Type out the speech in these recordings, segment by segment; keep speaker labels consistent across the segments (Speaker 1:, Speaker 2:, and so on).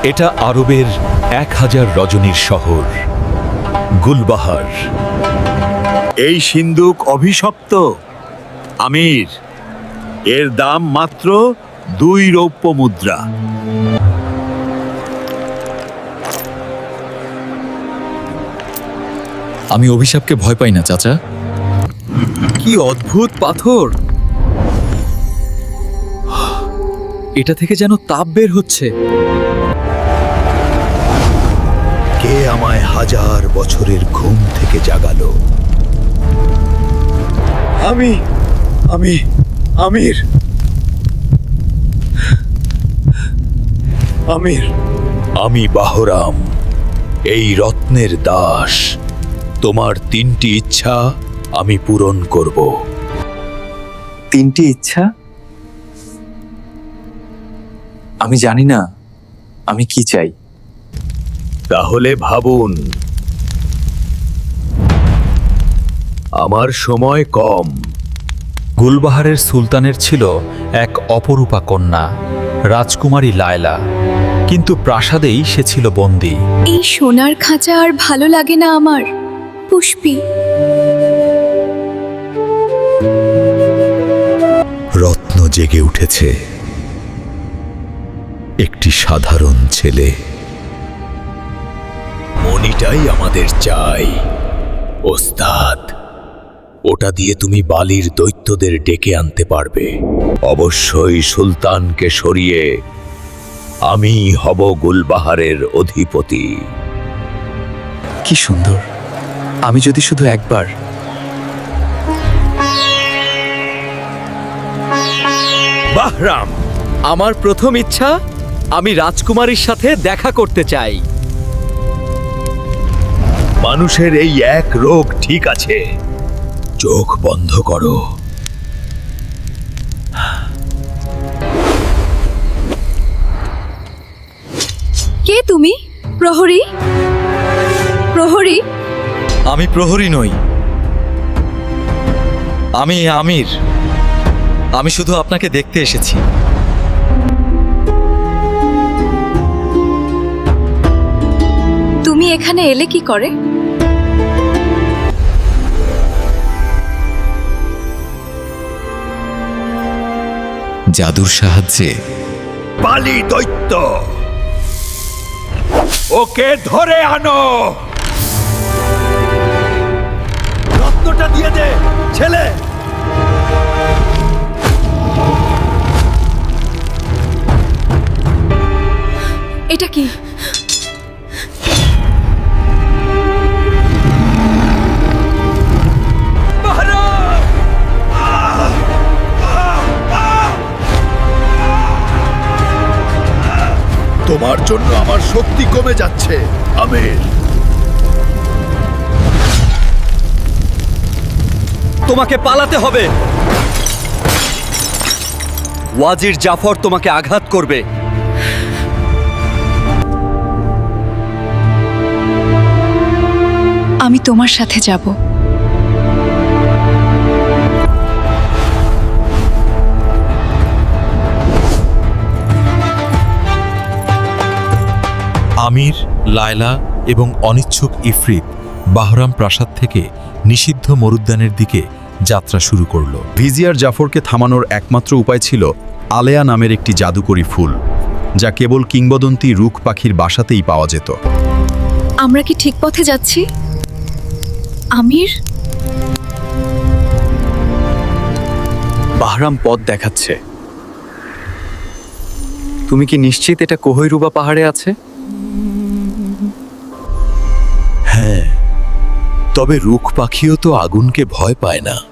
Speaker 1: এটা আরবের 1000 রজনীর শহর গুলবাহার।
Speaker 2: এই সিন্দুক অভিশপ্ত আমির, এর দাম মাত্র 2 রৌপ্য মুদ্রা।
Speaker 3: আমি অভিশাপকে ভয় পাই না চাচা।
Speaker 4: কি অদ্ভুত পাথর! এটা থেকে যেন তাপ বের হচ্ছে।
Speaker 2: কে আমায় 1000 বছরের ঘুম থেকে জাগালো? আমি আমির। আমি বাহরাম, এই রত্নের দাস। তোমার 3টি ইচ্ছা আমি পূরণ করব।
Speaker 3: 3টি ইচ্ছা? আমি জানি না আমি কি চাই।
Speaker 2: তাহলে ভাবুন, আমার সময় কম।
Speaker 1: গুলবাহারের সুলতানের ছিল এক অপরূপা কন্যা, রাজকুমারী লায়লা, কিন্তু প্রাসাদেই সে ছিল বন্দী।
Speaker 5: এই সোনার খাঁচা আর ভালো লাগে না আমার, পুষ্পী।
Speaker 2: রত্ন জেগে উঠেছে। একটি সাধারণ ছেলে। মণিটাই আমাদের চাই ওস্তাদ। ওটা দিয়ে তুমি বালির দৈত্যদের ডেকে আনতে পারবে। অবশ্যই সুলতানকে সরিয়ে আমি হব গুলবাহারের অধিপতি।
Speaker 3: কি সুন্দর! আমি যদি শুধু একবার।
Speaker 2: বাহরাম,
Speaker 4: আমার প্রথম ইচ্ছা, আমি রাজকুমারীর সাথে দেখা করতে চাই।
Speaker 2: মানুষের এই এক রোগ ঠিক আছে। চোখ বন্ধ করো।
Speaker 5: কে তুমি? প্রহরী? প্রহরী?
Speaker 3: আমি প্রহরী নই, আমি আমির। আমি শুধু আপনাকে দেখতে এসেছি।
Speaker 5: তুমি এখানে এলে কি করে?
Speaker 3: জাদুর সাহায্যে।
Speaker 2: বালি দৈত্য, ওকে ধরে আনো। রত্নটা দিয়ে দে ছেলে।
Speaker 5: এটা কি?
Speaker 2: তোমার জন্য আমার শক্তি কমে যাচ্ছে আমির।
Speaker 4: তোমাকে পালাতে হবে। ওয়াজির জাফর তোমাকে আঘাত করবে।
Speaker 5: আমি তোমার সাথে যাব।
Speaker 1: আমির, লায়লা এবং অনিচ্ছুক ইফরিত বাহরাম প্রাসাদ থেকে নিষিদ্ধ মরুদ্যানের দিকে যাত্রা শুরু করল।
Speaker 6: ভিজিয়ার জাফরকে থামানোর একমাত্র উপায় ছিল আলেয়া নামের একটি জাদুকরী ফুল, যা কেবল কিংবদন্তি রুখ পাখির বাসাতেই পাওয়া যেত।
Speaker 5: আমরা কি ঠিক পথে যাচ্ছি আমির?
Speaker 3: বাহরাম পথ দেখাচ্ছে। তুমি কি নিশ্চিত এটা কোহিরুবা পাহাড়ে আছে?
Speaker 2: হ্যাঁ, তবে রুখ পাখিও তো আগুনকে ভয় পায় না।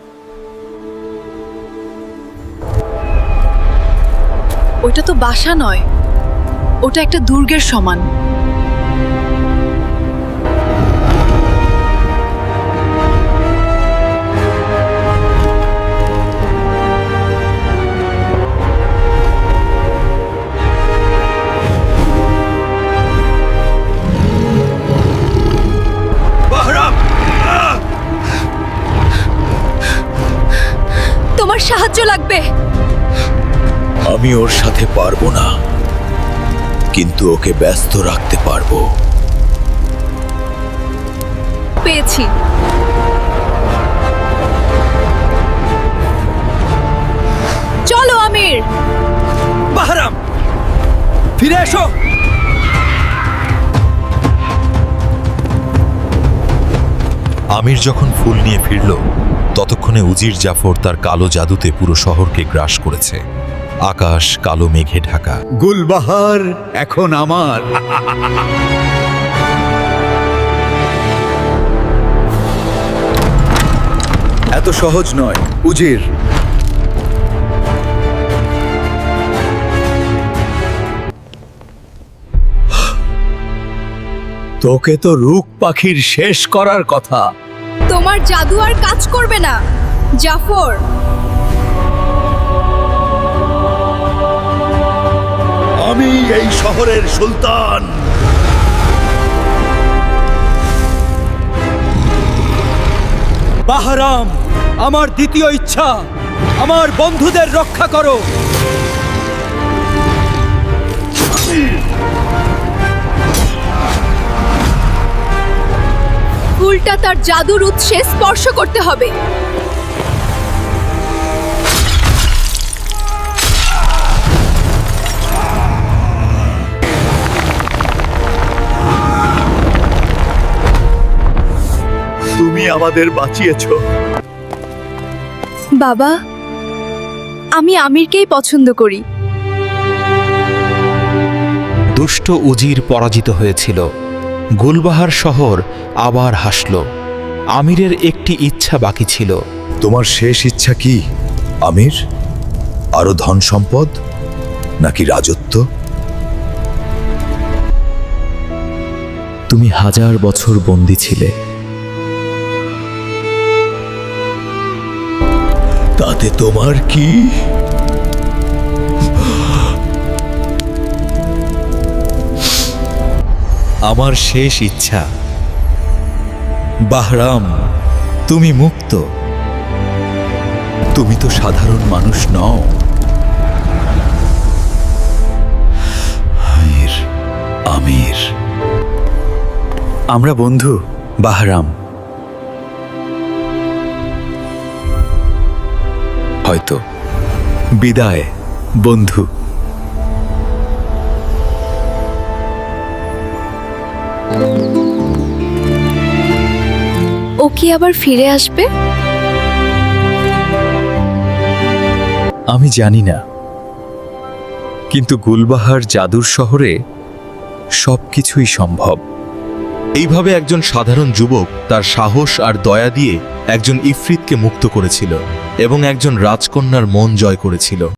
Speaker 5: ওটা তো বাসা নয়, ওটা একটা দুর্গের সমান। তোমার সাহায্য লাগবে।
Speaker 2: আমি ওর সাথে পারবো না। কিন্তু ওকে ব্যস্ত রাখতে পারবো।
Speaker 5: পেয়েছি। চলো আমির।
Speaker 4: বাহরাম, ফিরে এসো।
Speaker 1: আমির যখন ফুল নিয়ে ফিরল ততক্ষণে উজির জাফর তার কালো জাদুতে পুরো শহরকে গ্রাস করেছে। আকাশ কালো মেঘে ঢাকা।
Speaker 6: গুলবাহার এখন আমার। এত সহজ নয় উজির।
Speaker 2: তোকে তো রুক পাখির শেষ করার কথা।
Speaker 5: তোমার জাদু আর কাজ করবে না জাফর।
Speaker 2: আমি এই শহরের সুলতান।
Speaker 4: বাহরাম, আমার দ্বিতীয় ইচ্ছা, আমার বন্ধুদের রক্ষা করো।
Speaker 5: ফুলটা তার জাদুর উৎসে স্পর্শ করতে হবে।
Speaker 2: তুমি আমাদের বাঁচিয়েছো।
Speaker 5: বাবা, আমি আমিরকেই পছন্দ করি।
Speaker 7: দুষ্ট উজির পরাজিত হয়েছিল। গুলবাহার শহর আবার হাসল। আমিরের একটি ইচ্ছা বাকি ছিল।
Speaker 2: তোমার শেষ ইচ্ছা কি আমির? আরো ধন সম্পদ নাকি রাজত্ব?
Speaker 3: তুমি 1000 বছর বন্দী ছিলে।
Speaker 2: তাতে তোমার কি?
Speaker 1: আমার শেষ ইচ্ছা, বাহরাম, তুমি মুক্ত।
Speaker 2: তুমি তো সাধারণ মানুষ নও। আমির, আমির,
Speaker 6: আমরা বন্ধু বাহরাম। হয়তো। বিদায় বন্ধু।
Speaker 5: ও কি আবার ফিরে আসবে?
Speaker 6: আমি জানি না, কিন্তু গুলবাহার জাদুর শহরে সবকিছুই সম্ভব।
Speaker 1: এইভাবে একজন সাধারণ যুবক তার সাহস আর দয়া দিয়ে একজন ইফরিতকে মুক্ত করেছিল এবং একজন রাজকন্যার মন জয় করেছিল।